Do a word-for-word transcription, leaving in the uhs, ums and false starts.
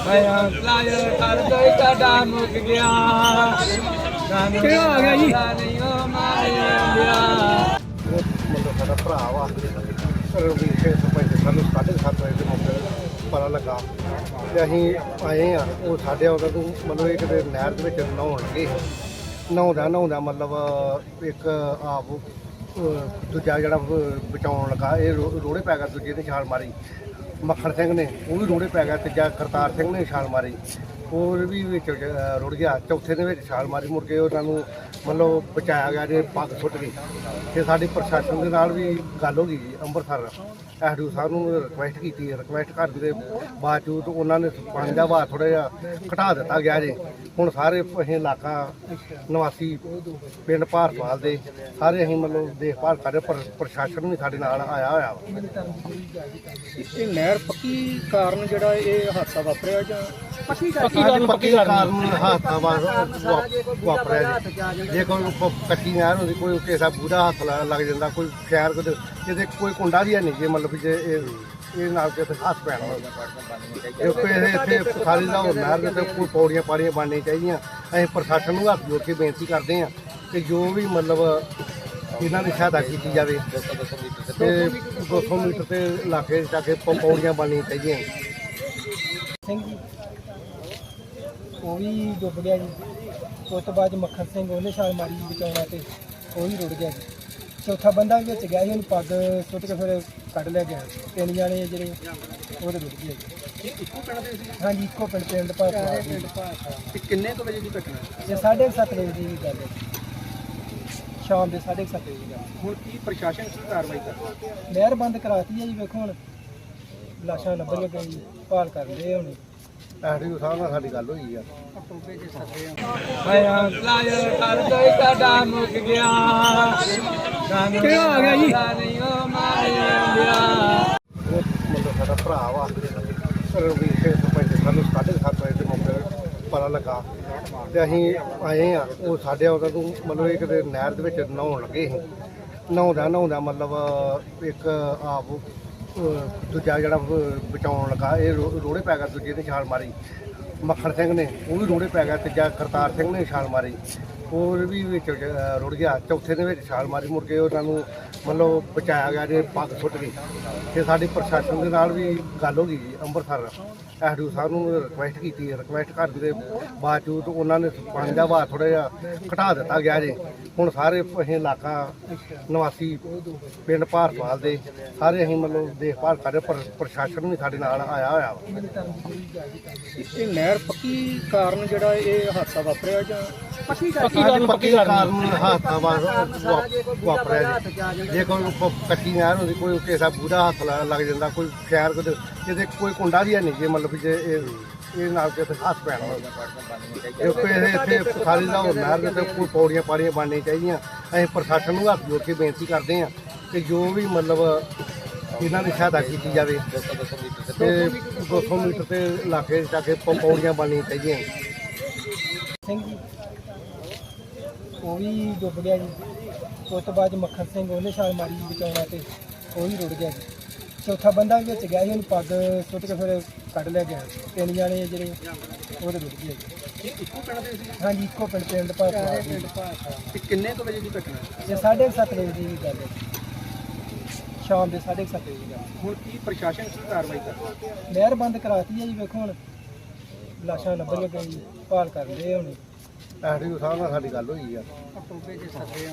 ਮੈਂ ਲਾਇਰ ਕਰਦਾ ਤੁਹਾਡਾ ਮੁੱਕ ਗਿਆ ਕਿਹੜਾ ਆ ਗਿਆ ਜੀ? ਨਹੀਂ ਉਹ ਮਾਰਿਆ ਮਤਲਬ ਸਾਡਾ ਭਰਾ ਵਾ ਰਣਵੀਰ ਸਿੰਘ ਸਰਪੰਚ ਸਾਨੂੰ ਸਾਢੇ ਸੱਤ ਵਜੇ ਦੇ ਮੌਕੇ ਤੇ ਪਤਾ ਲੱਗਾ ਤੇ ਅਸੀਂ ਆਏ ਆ। ਉਹ ਸਾਡੇ ਉਹਨਾਂ ਨੂੰ ਮਤਲਬ ਇਹ ਕਿਤੇ ਨਹਿਰ ਦੇ ਵਿੱਚ ਨਹਾਉਣ ਲੱਗੇ ਨਹਾਉਂਦਾ ਨਹਾਉਂਦਾ ਮਤਲਬ ਇੱਕ ਆਪ ਅਹ ਦੂਜਾ ਜਿਹੜਾ ਬਚਾਉਣ ਲੱਗਾ ਇਹ ਰੋ- ਰੋੜੇ ਪੈ ਗਿਆ, ਦੂਜੇ ਨੇ ਛਾਲ ਮਾਰੀ। ਮੱਖਣ ਸਿੰਘ ਨੇ ਉਹ ਵੀ ਰੋੜੇ ਪੈ ਗਿਆ, ਤੀਜਾ ਕਰਤਾਰ ਸਿੰਘ ਨੇ ਛਾਲ ਮਾਰੀ, ਉਹ ਵੀ ਵਿੱਚ ਅਹ ਰੁੜ ਗਿਆ। ਚੌਥੇ ਦੇ ਵਿੱਚ ਛਾਲ ਮਾਰੀ, ਮੁੜ ਕੇ ਉਹਨਾਂ ਨੂੰ ਮਤਲਬ ਬਚਾਇਆ ਗਿਆ ਜੇ ਪੱਗ ਸੁੱਟ ਗਈ। ਤੇ ਸਾਡੀ ਪ੍ਰਸ਼ਾਸਨ ਦੇ ਨਾਲ ਵੀ ਗੱਲ ਹੋ ਗਈ ਜੀ Amritsar S D O sahib ਨੂੰ ਰਿਕੁਐਸਟ ਕੀਤੀ। ਰਿਕੁਐਸਟ ਕਰਨ ਦੇ ਬਾਵਜੂਦ ਉਹਨਾਂ ਨੇ ਪਾਣੀ ਦਾ ਵਹਾਅ ਥੋੜ੍ਹਾ ਜਿਹਾ ਘਟਾ ਦਿੱਤਾ ਗਿਆ ਜੇ। ਹੁਣ ਸਾਰੇ ਅਸੀਂ ਇਲਾਕਾ ਨਿਵਾਸੀ ਪਿੰਡ ਭਾਰਤਵਾਲ ਦੇ ਸਾਰੇ ਅਸੀਂ ਮਤਲਬ ਦੇਖਭਾਲ ਕਰ ਰਹੇ, ਪਰ ਪ੍ਰਸ਼ਾਸਨ ਵੀ ਸਾਡੇ ਨਾਲ ਆਇਆ ਹੋਇਆ ਵਾ। ਇਹ ਨਹਿਰ ਪੱਕੀ ਕਾਰਨ ਜਿਹੜਾ ਇਹ ਹਾਦਸਾ ਵਾਪਰਿਆ ਜਾਂ ਪੱਕੀ ਕਾਰਨ ਪੱਕੀ ਕਾਰਨ ਹਾਦਸਾ ਵਾ- ਵਾ- ਵਾਪਰਿਆ ਜੀ। ਜੇ ਕੋਈ ਪ- ਕੱਚੀ ਨਹਿਰ ਹੁੰਦੀ, ਕੋਈ ਕਿਸੇ ਦਾ ਬੂੜਾ ਹੱਥ ਲ- ਲੱਗ ਜਾਂਦਾ, ਕੋਈ ਖੈਰ ਕੋਈ ਕਿਤੇ ਕੋਈ ਕੁੰਡਾ ਵੀ ਹੈ ਨਹੀਂ ਜੇ ਮਤਲਬ ਵੀ ਜੇ ਇਹ ਇਹ ਨਾਲ ਕਿਤੇ ਹੱਥ ਪੈਣਾ ਜੇ ਕੋਈ ਇਹ ਇੱਥੇ ਸਾਰੀ ਦਾ ਹੋਰ ਨਹਿਰ ਦੇ ਉੱਤੇ ਕੋਈ ਪੌੜੀਆਂ ਪਾੜੀਆਂ ਬਣਨੀਆਂ ਚਾਹੀਦੀਆਂ। ਅਸੀਂ ਪ੍ਰਸ਼ਾਸਨ ਨੂੰ ਹੱਥ ਜੋੜ ਕੇ ਬੇਨਤੀ ਕਰਦੇ ਹਾਂ ਕਿ ਜੋ ਵੀ ਮਤਲਬ ਇਹਨਾਂ ਦੀ ਸਹਾਇਤਾ ਕੀਤੀ ਜਾਵੇ ਤੇ ਦੋ ਸੌ ਮੀਟਰ ਤੇ ਇਲਾਕੇ ਜਾ ਕੇ ਪ- ਪੌੜੀਆਂ ਬਣਨੀਆਂ ਚਾਹੀਦੀਆਂ। ਸਿੰਘ ਜੀ ਉਹ ਵੀ ਡੁੱਬ ਗਿਆ ਜੀ। ਉਸ ਤੋਂ ਬਾਅਦ ਮੱਖਣ ਸਿੰਘ ਉਹਨੇ ਛਾਲ ਮਾਰੀ ਜੀ ਬਚਾਉਣਾ ਤੇ ਉਹ ਵੀ ਰੁੜ ਗਿਆ ਜੀ। ਚੌਥਾ ਬੰਦਾ ਵੀ ਵਿੱਚ ਗਿਆ ਸੀ, ਉਹਨੂੰ ਪੱਗ ਸੁੱਟ ਕੇ ਫਿਰ ਕੱਢ ਲਿਆ ਗਿਆ। ਤਿੰਨ ਜਾਣੇ ਜਿਹੜੇ ਉਹਦੇ ਰੁੜ ਗਏ ਜੀ। ਇੱਕੋ ਪਿੰਡ ਦੇ ਸੀ ਹਾਂਜੀ ਇੱਕੋ ਪਿੰਡ ਪਿੰਡ ਭਾਰਤਵਾਲ ਜੀ। ਤੇ ਕਿੰਨੇ ਕੁ ਵਜੇ ਦੀ ਘਟਨਾ? ਇਹ ਸਾਢੇ ਕੁ ਸੱਤ ਵਜੇ ਦੀ ਗੱਲ ਹੈ ਜੀ। ਸ਼ਾਮ ਦੇ ਸਾਢੇ ਕੁ ਸੱਤ ਵਜੇ ਦੀ ਗੱਲ। ਹੁਣ ਕੀ ਪ੍ਰਸ਼ਾਸਨ ਕੀ ਕਾਰਵਾਈ ਕਰਦਾ? ਨਹਿਰ ਬੰਦ ਕਰਾਤੀ ਹੈ ਜੀ। ਵੇਖੋ ਹੁਣ ਲਾਸ਼ਾਂ ਲੱਭਣ ਲੱਗੇ ਜੀ, ਭਾਲ ਕਰਦੇ ਹੁਣ। ਐਸ ਡੀ ਓ ਸਾਹਿਬ ਨਾਲ ਸਾਡੀ ਗੱਲ ਹੋਈ ਆ। ਮੈਂ ਲਾਇਰ ਕਰਦਾ ਤੁਹਾਡਾ ਮੁੱਕ ਗਿਆ ਕਿਹੜਾ ਆ ਗਿਆ ਜੀ? ਨਹੀਂ ਉਹ ਮਾਰਿਆ ਉਹ ਮਤਲਬ ਸਾਡਾ ਭਰਾ ਵਾ ਰਣਵੀਰ ਸਿੰਘ ਸਰਪੰਚ ਸਾਨੂੰ ਸਾਢੇ ਸੱਤ ਵਜੇ ਦੇ ਮੌਕੇ ਤੇ ਪਤਾ ਲੱਗਾ ਤੇ ਅਸੀਂ ਆਏ ਆ। ਉਹ ਸਾਡੇ ਉਹਨਾਂ ਨੂੰ ਮਤਲਬ ਇਹ ਕਿਤੇ ਨਹਿਰ ਦੇ ਵਿੱਚ ਨਹਾਉਣ ਲੱਗੇ ਨਹਾਉਂਦਾ ਨਹਾਉਂਦਾ ਮਤਲਬ ਇੱਕ ਆਪ ਅਹ ਦੂਜਾ ਜਿਹੜਾ ਬਚਾਉਣ ਲੱਗਾ ਇਹ ਰੋ- ਰੋੜੇ ਪੈ ਗਿਆ, ਦੂਜੇ ਨੇ ਛਾਲ ਮਾਰੀ। ਮੱਖਣ ਸਿੰਘ ਨੇ ਉਹ ਵੀ ਰੋੜੇ ਪੈ ਗਿਆ, ਤੀਜਾ ਕਰਤਾਰ ਸਿੰਘ ਨੇ ਛਾਲ ਮਾਰੀ, ਉਹ ਵੀ ਵਿੱਚ ਅਹ ਰੁੜ ਗਿਆ। ਚੌਥੇ ਦੇ ਵਿੱਚ ਛਾਲ ਮਾਰੀ, ਮੁੜ ਕੇ ਉਹਨਾਂ ਨੂੰ ਮਤਲਬ ਬਚਾਇਆ ਗਿਆ ਜੇ ਪੱਗ ਸੁੱਟ ਗਈ। ਤੇ ਸਾਡੀ ਪ੍ਰਸ਼ਾਸਨ ਦੇ ਨਾਲ ਵੀ ਗੱਲ ਹੋ ਗਈ ਜੀ Amritsar S D O sahib ਨੂੰ ਰਿਕੁਐਸਟ ਕੀਤੀ। ਰਿਕੁਐਸਟ ਕਰਨ ਦੇ ਬਾਵਜੂਦ ਉਹਨਾਂ ਨੇ ਪਾਣੀ ਦਾ ਵਹਾਅ ਥੋੜ੍ਹਾ ਜਿਹਾ ਘਟਾ ਦਿੱਤਾ ਗਿਆ ਜੇ। ਹੁਣ ਸਾਰੇ ਅਸੀਂ ਇਲਾਕਾ ਨਿਵਾਸੀ ਪਿੰਡ ਭਾਰਤਵਾਲ ਦੇ ਸਾਰੇ ਅਸੀਂ ਮਤਲਬ ਦੇਖਭਾਲ ਕਰ ਰਹੇ, ਪਰ ਪ੍ਰਸ਼ਾਸਨ ਵੀ ਸਾਡੇ ਨਾਲ ਆਇਆ ਹੋਇਆ ਵਾ। ਇਹ ਨਹਿਰ ਪੱਕੀ ਕਾਰਨ ਜਿਹੜਾ ਇਹ ਹਾਦਸਾ ਵਾਪਰਿਆ ਜਾਂ ਪੱਕੀ ਕਾਰਨ ਪੱਕੀ ਕਾਰਨ ਹਾਦਸਾ ਵਾ- ਵਾ- ਵਾਪਰਿਆ ਜੀ। ਜੇ ਕੋਈ ਪ- ਕੱਚੀ ਨਹਿਰ ਹੁੰਦੀ, ਕੋਈ ਕਿਸੇ ਦਾ ਬੂੜਾ ਹੱਥ ਲ- ਲੱਗ ਜਾਂਦਾ, ਕੋਈ ਖੈਰ ਕੋਈ ਕਿਤੇ ਕੋਈ ਕੁੰਡਾ ਵੀ ਹੈ ਨਹੀਂ ਜੇ ਮਤਲਬ ਵੀ ਜੇ ਇਹ ਇਹ ਨਾਲ ਕਿਤੇ ਹੱਥ ਪੈਣਾ ਜੇ ਕੋਈ ਇਹ ਇੱਥੇ ਸਾਰੀ ਦਾ ਹੋਰ ਨਹਿਰ ਦੇ ਉੱਤੇ ਕੋਈ ਪੌੜੀਆਂ ਪਾੜੀਆਂ ਬਣਨੀਆਂ ਚਾਹੀਦੀਆਂ। ਅਸੀਂ ਪ੍ਰਸ਼ਾਸਨ ਨੂੰ ਹੱਥ ਜੋੜ ਕੇ ਬੇਨਤੀ ਕਰਦੇ ਹਾਂ ਕਿ ਜੋ ਵੀ ਮਤਲਬ ਇਹਨਾਂ ਦੀ ਸਹਾਇਤਾ ਕੀਤੀ ਜਾਵੇ ਤੇ ਦੋ ਸੌ ਮੀਟਰ ਤੇ ਇਲਾਕੇ ਜਾ ਕੇ ਪ- ਪੌੜੀਆਂ ਬਣਨੀਆਂ ਚਾਹੀਦੀਆਂ। ਸਿੰਘ ਜੀ ਉਹ ਵੀ ਡੁੱਬ ਗਿਆ ਜੀ। ਉਸ ਤੋਂ ਬਾਅਦ ਮੱਖਣ ਸਿੰਘ ਉਹਨੇ ਛਾਲ ਮਾਰੀ ਜੀ ਬਚਾਉਣਾ ਤੇ ਉਹ ਵੀ ਰੁੜ ਗਿਆ ਜੀ। ਚੌਥਾ ਬੰਦਾ ਵੀ ਵਿੱਚ ਗਿਆ ਸੀ, ਉਹਨੂੰ ਪੱਗ ਸੁੱਟ ਕੇ ਫਿਰ ਕੱਢ ਲਿਆ ਗਿਆ। ਤਿੰਨ ਜਾਣੇ ਜਿਹੜੇ ਉਹਦੇ ਰੁੜ ਗਏ ਜੀ। ਇੱਕੋ ਪਿੰਡ ਦੇ ਸੀ ਹਾਂਜੀ ਇੱਕੋ ਪਿੰਡ ਪਿੰਡ ਭਾਰਤਵਾਲ ਜੀ। ਤੇ ਕਿੰਨੇ ਕੁ ਵਜੇ ਦੀ ਘਟਨਾ? ਇਹ ਸਾਢੇ ਕੁ ਸੱਤ ਵਜੇ ਦੀ ਗੱਲ ਹੈ ਜੀ। ਸ਼ਾਮ ਦੇ ਸਾਢੇ ਕੁ ਸੱਤ ਵਜੇ ਦੀ ਗੱਲ। ਹੁਣ ਕੀ ਪ੍ਰਸ਼ਾਸਨ ਕੀ ਕਾਰਵਾਈ ਕਰਦਾ? ਨਹਿਰ ਬੰਦ ਕਰਾਤੀ ਹੈ ਜੀ। ਵੇਖੋ ਹੁਣ ਲਾਸ਼ਾਂ ਲੱਭਣ ਲੱਗੇ ਜੀ, ਭਾਲ ਕਰਦੇ ਹੁਣ। ਐਸ ਡੀ ਓ ਸਾਹਿਬ ਨਾਲ ਸਾਡੀ ਗੱਲ ਹੋਈ ਆ।